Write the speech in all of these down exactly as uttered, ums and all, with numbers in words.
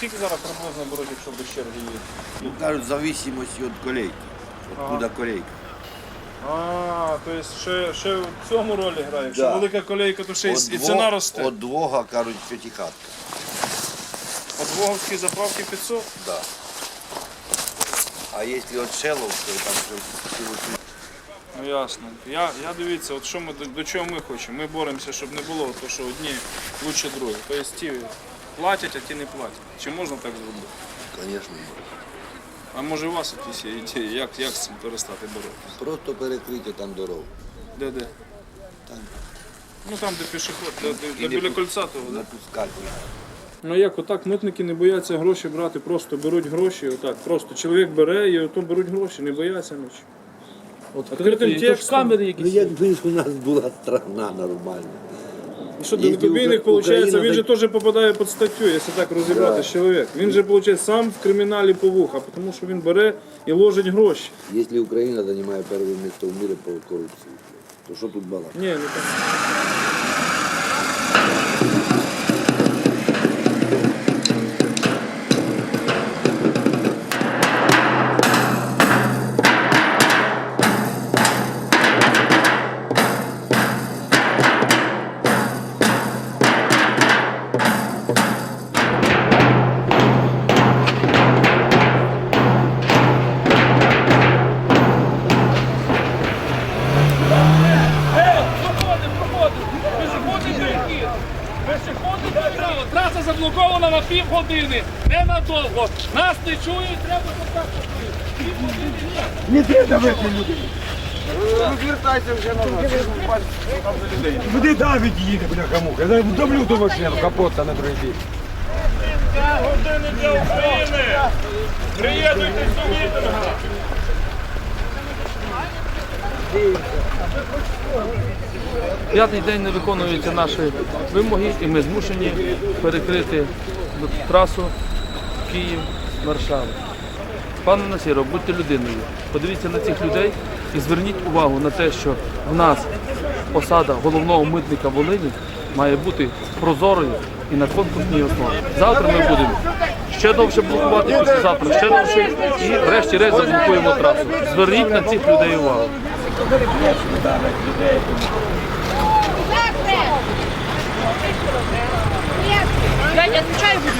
скільки зараз приблизно беруть, якщо без черги є? Ну, кажуть, в зависимості від колейки. Откуда Ага. колейка. А, тобто ще, ще в цьому ролі грає. Якщо Да. велика колейка, то ще й От і дво- ціна росте. От двога, кажуть, п'ятихатка. От Воговській заправки п'ятсот? Да. А якщо від Шеловської, там вже всього Ну ясно. Я, я дивіться, от що ми, до, до чого ми хочемо. Ми боремося, щоб не було, то що одні лучше другі. Тобто ті платять, а ті не платять. Чи можна так зробити? звісно, А може у вас якісь є ідеї, як, як з цим перестати боротися? просто перекрити там дорогу. Де де? Там. Ну там, де пішоход, де, де, де І не біля пу- кольця того, Не да? пускати. Ну як, отак митники не бояться гроші брати, просто беруть гроші, отак, просто чоловік бере і ото беруть гроші, не бояться нічого. Відкритим текстом. камери Ну, якісь. якби у нас була страна нормальна. І що, Якщо далекобійник, Укра- виходить, Україна він же так- теж попадає під статтю, якщо так розібрати Да. чоловік. Він же, виходить, сам в криміналі по вуха, тому що він бере і ложить гроші. Якщо Україна займає перше місце в світі по корупції, то що тут балакати? Ні, не так. Траса заблокована на півгодини. Ненадовго. Нас не чують, треба контактувати. Півгодини ні. Не треба давити людей. Розвертайся вже назад. Куди Давид їде, бляха-муха? Я вдавлю ту машину, капот на другий бік. Години для України! Приєднуйтесь до мітинга! П'ятий день не виконуються наші вимоги, і ми змушені перекрити трасу Київ-Варшава. Пане Насіров, будьте людиною, подивіться на цих людей і зверніть увагу на те, що в нас посада головного митника Волині має бути прозорою і на конкурсній основі. Завтра ми будемо ще довше блокувати, післязавтра ще довше і врешті-решт заблокуємо трасу. Зверніть на цих людей увагу. Я не отвечаю буду.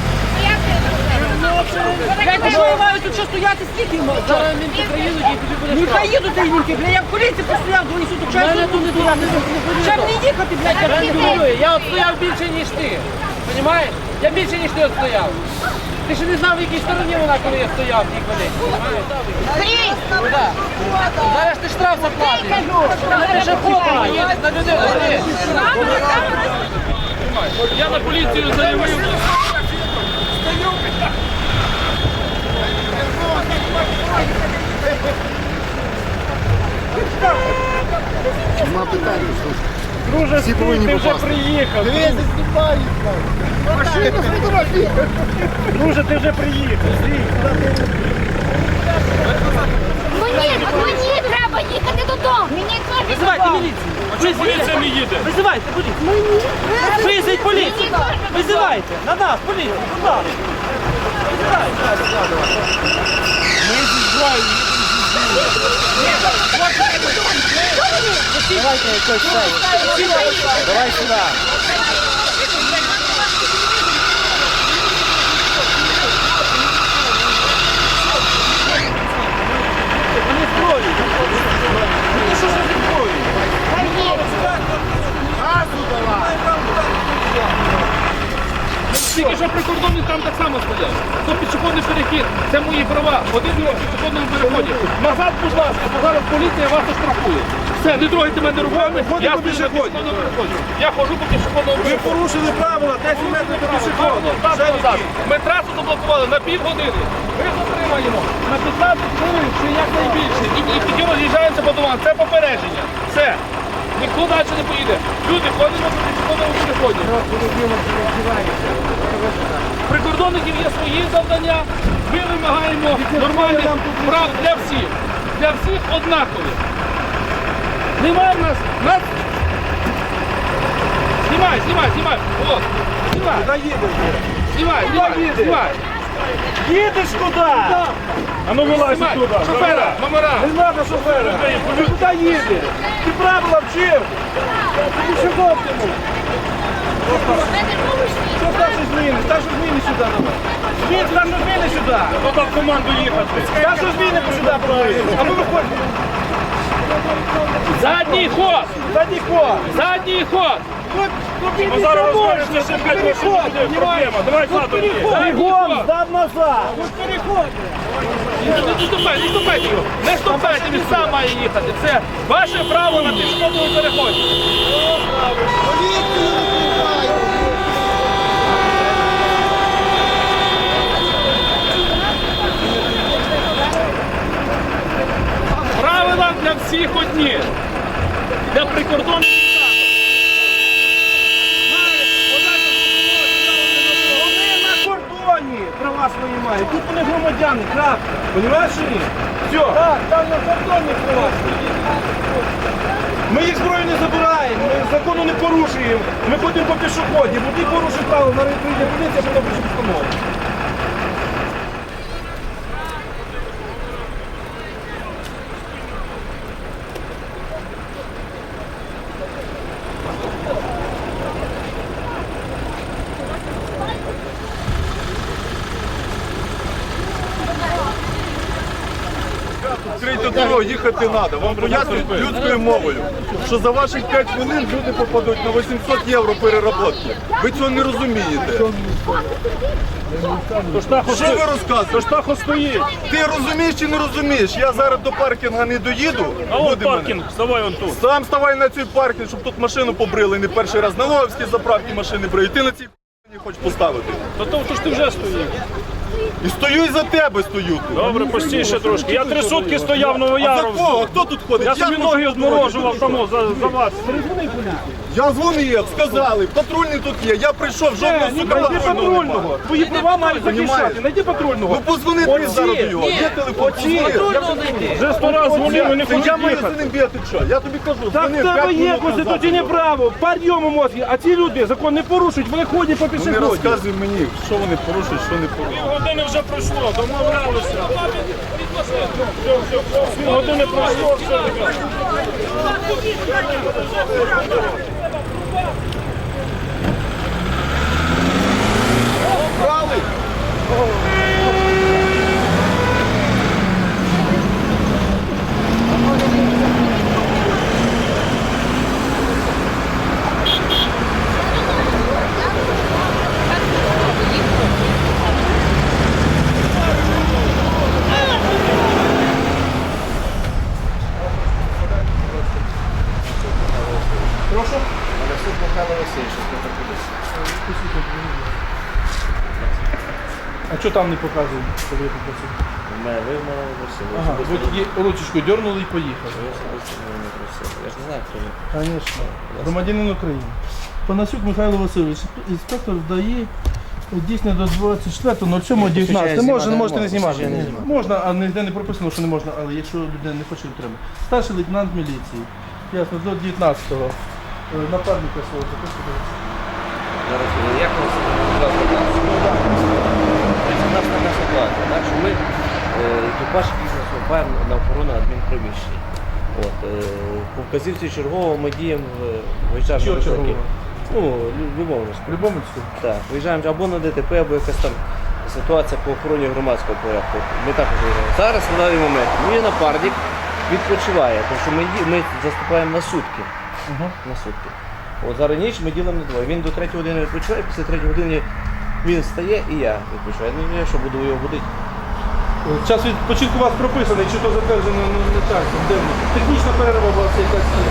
Я що маю тут що стояти, скільки можна? Зараз мінки приїдуть і тобі буде штраф. Не поїдуть ті мінки, бля, я в поліції постояв, двоє суток часу. Мене тут не стояти. Чим не їхати, блядь, я не говорю. Я отстояв більше, ніж ти. Понімаєш? Я більше, ніж ти отстояв. Ти ще не знав, в якій стороні вона, коли я стояв в тій колі. Ну так. Зараз ти штраф заплатиш. Ти ще фото їдеш на людину. Я на поліцію заявив. Друже, Всі повинні ти вже попасти. приїхав. Дивись, знімай! Машину фотографіруй! Друже, ти вже приїхав. Мені, мені треба їхати додому. Мені теж Визивайте міліцію. Поліція не їде. Визивайте поліцію. Визивайте поліцію. Визивайте. На нас, поліцію. Будь ласка. Давайте якось це. Давай сюди. Вони строють. Ну що ж вони строють? Тільки що прикордонник там так само стояв. То пішохідний перехід, це мої права. Один в пішохідному переході. Назад, будь ласка, бо зараз поліція вас оштрафує. Все, не трогайте мене руками, я стою на пішохідному переході. Я ходжу по пішохідному переході. Ви порушили правила, десять метрів до пішоходу. Назад. Ми трасу заблокували на півгодини. Ми затримаємо на п'ятнадцять хвилин, чи якнайбільше. І, і тоді роз'їжджаємося по домам. Це попередження. Все. Ніхто далі не поїде. Люди ходять на пішохідному переході. Прикордонників є свої завдання. Ми вимагаємо нормальних прав для всіх. Для всіх однакові. Немає в нас. нас... Знімай, знімай, знімай. От, знімай. Куди їдете? знімай, знімай, знімай. Їдеш куди? А ну вилазь туди. Шофера, номера. Не треба шофера. Ти куди їдеш? Ти правила вчив. Ти що йому? Що старші зміни? Старші зміни сюди давай. Змін, старші зміни сюди. Хто в команду їхати? Старші зміни сюди проводити. А ви виходите. Задній ход, Задній ход. задній ход. Ну зараз розкажете, що п'ять років буде проблема. Давай задом. Бігом, здав назад. Не ступайте, не ступайте його. Не ступайте, він сам має їхати. Це ваше право на пішохідному переході. Правила для всіх одні. Для прикордонних Вони на кордоні права свої мають. Тут вони громадяни, крапка. Понимаєш чи ні? Все. Так, там на кордоні права свої. Ми їх зброю не забираємо, ми закону не порушуємо. Ми ходимо по пішоході, бо ти порушив право, на прийде поліція, потім пише постанову. Відкрийте дорогу, їхати треба. Вам пояснюють людською мовою, що за ваших п'ять хвилин люди попадуть на вісімсот євро переработки. Ви цього не розумієте. Що ви розказуєте? Тож так стоїть. Ти розумієш чи не розумієш? Я зараз до паркінга не доїду. А от люди мене- паркінг, вставай он тут. Сам ставай на цей паркінг, щоб тут машину побрили не перший раз. На Логовській заправці машини бриють. Ти на цій не хочеш поставити. Та то, то ж ти вже стоїш. І стою і за тебе стою тут. Добре, постійше трошки. Я три сутки стояв в А за Новояровську. кого? Хто тут ходить? Я собі тут ноги тут одморожував тому за, за вас. Я дзвонив, сказали, патрульний тут є. Я прийшов, жодного Ні, сука найди патрульного немає. патрульного. Твої права мають захищати. Найди патрульного. Ну позвони ти зараз до його. Є телефон, позвони. Вже сто разів дзвонив і не Та я хочуть маю за їхати. ним бігати, що? Я тобі кажу, Так в дзвонив тебе п'ять є минут конституційне назад. право, підйому мозги, а ці люди закон не порушують, вони ходять по Ну, не пішоході. розказуй мені, що вони порушують, що не порушують. Години вже пройшло, домовлялися. Години пройшло, все таке. А що там не показує, коли я попросив? Мене вимагали просили. Ага, ви тоді ручечку дернули і поїхали. Я особисто мене не просив. Я ж не знаю, хто він. Звісно. Громадянин України. Панасюк Михайло Васильович, інспектор ДАІ, дійсно до двадцять четвертого ноль сьомого дев'ятнадцятого. Можна, знімати можете не не знімати. можна, я не знімаю. Можна, а ніде не прописано, що не можна, але якщо людина не хоче, то треба. Старший лейтенант міліції. Ясно, до дев'ятнадцятого. Е, Напарника свого записуйте. Зараз е, як у нас будь ласка, нас? У нас така ситуація, так, що ми е, екіпаж бізнесу впаємо на охорону адмінприміщень. От, е, по вказівці чергового ми діємо в виїжджаємо Чого на виклики. чергового? Ну, лю- любовницьку. Любомицьку. Так, виїжджаємо або на ДТП, або якась там ситуація по охороні громадського порядку. Ми також виїжджаємо. Зараз на даний момент мій напарник відпочиває, тому що ми, ді- ми заступаємо на сутки. Ага. На сутки. От зараз ніч ми ділимо на двоє. Він до третьої години відпочиває, після третьої години він встає і я відпочиваю. Ну я що буду його будити. Час відпочинку у вас прописаний, чи то затверджено ну, не так, де воно? Технічна перерва у вас якась є.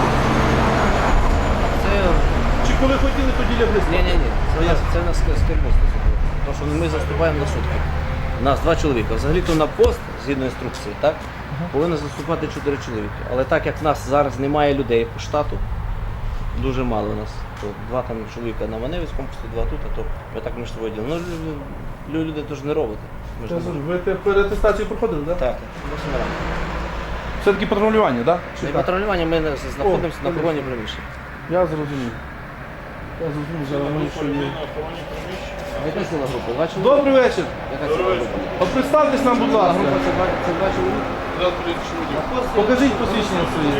Це Чи коли хотіли, тоді лягли спати? ні, ні, ні. Це у нас це у нас з керівництва. Тому що ми заступаємо на сутки. У нас два чоловіка. Взагалі-то на пост, згідно інструкції, так, повинно заступати чотири чоловіки. Але так як в нас зараз немає людей по штату, дуже мало у нас. То два там чоловіка на Маневицькому пості, два тут, а то ми так між собою ділимо. Ну, лю- лю- люди теж не роботи. Ми ж не можемо. Ви те переатестацію проходили, так? Так, восьми рано. Все-таки патрулювання, так? Для патрулювання ми знаходимося на охороні приміщення. Я зрозумів. Я зрозумів, що воно що є. А яка ціла група? Два чоловіки? Добрий вечір. Яка ціла група? А представтесь нам, будь ласка. Група це два, це два чоловіки? Покажіть посвідчення своє.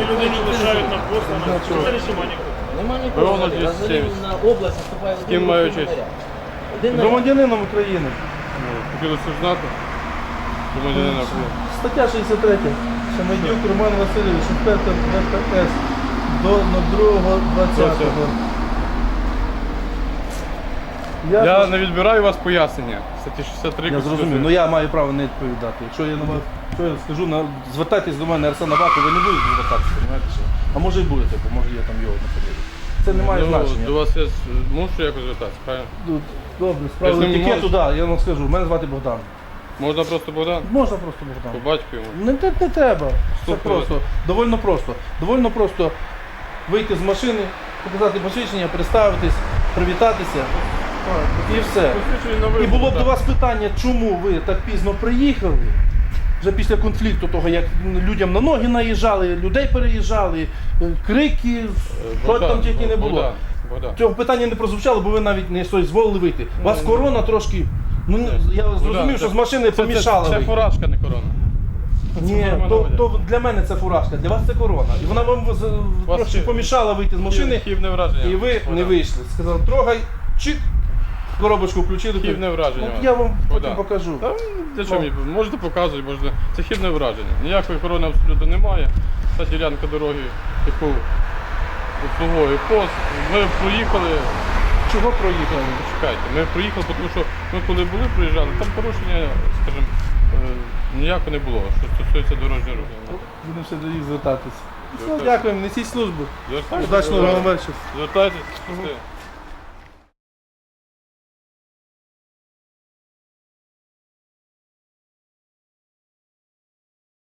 Нема нікого. Взагалі на область вступає один ким маю волонтер. честь? Один на Громадянином України. Хотілося б знати. Громадянина України. Стаття шістдесят три. Шамедюк Роман Васильович, інспектор ДПС до другого двадцятого. Я не відбираю у вас пояснення. Статті шістдесят три. Я зрозумів, ну я маю право не відповідати. Якщо я на вас, що я скажу, на, звертайтесь до мене Арсена Баку, ви не будете звертатися, розумієте що? А може і будете, бо може я там його не подивлюсь. Це не має Ну, значення. до вас я з- мушу якось звертатися, правильно? Тут, добре, справа Я з ним не етикету, можу. да, я вам скажу, мене звати Богдан. Можна просто Богдан? Можна просто Богдан. По батьку йому. Не, не, не треба. Це Супер. просто. Довольно просто. Довольно просто вийти з машини, показати посвідчення, представитись, привітатися. І все. І було б до вас питання, чому ви так пізно приїхали? Вже після конфлікту того, як людям на ноги наїжджали, людей переїжджали, е, крики, що Богдан, там тільки не було. Богдан, Богдан. Цього питання не прозвучало, бо ви навіть не дозволили вийти. У вас корона трошки. Ну я зрозумів, Богдан, що це- з машини це- помішала. Це, це вийти. фуражка, не корона. Ні, нормально то, буде. то для мене це фуражка, для вас це корона. І вона вам з- Вас трошки ще- помішала вийти з машини, Хібне враження. і ви Богдан. не вийшли. Сказали, трогай, чик, коробочку включили. Хібне враження. От я вам потім Богдан. покажу. Та, для чого мені? Можете показувати, можете. Це хібне враження. Ніякої корони абсолютно немає. Та ділянка дороги, яку обслуговує пост. Ми проїхали. Чого проїхали? Чекайте, ми проїхали, тому що ми коли були, проїжджали, там порушення, скажімо, е, ніякого не було, що стосується дорожнього руху. Будемо ще до їх звертатися. Все, Звертайтесь. дякуємо, несіть службу. Звертайтесь. Удачного вам вечора. Звертайтесь.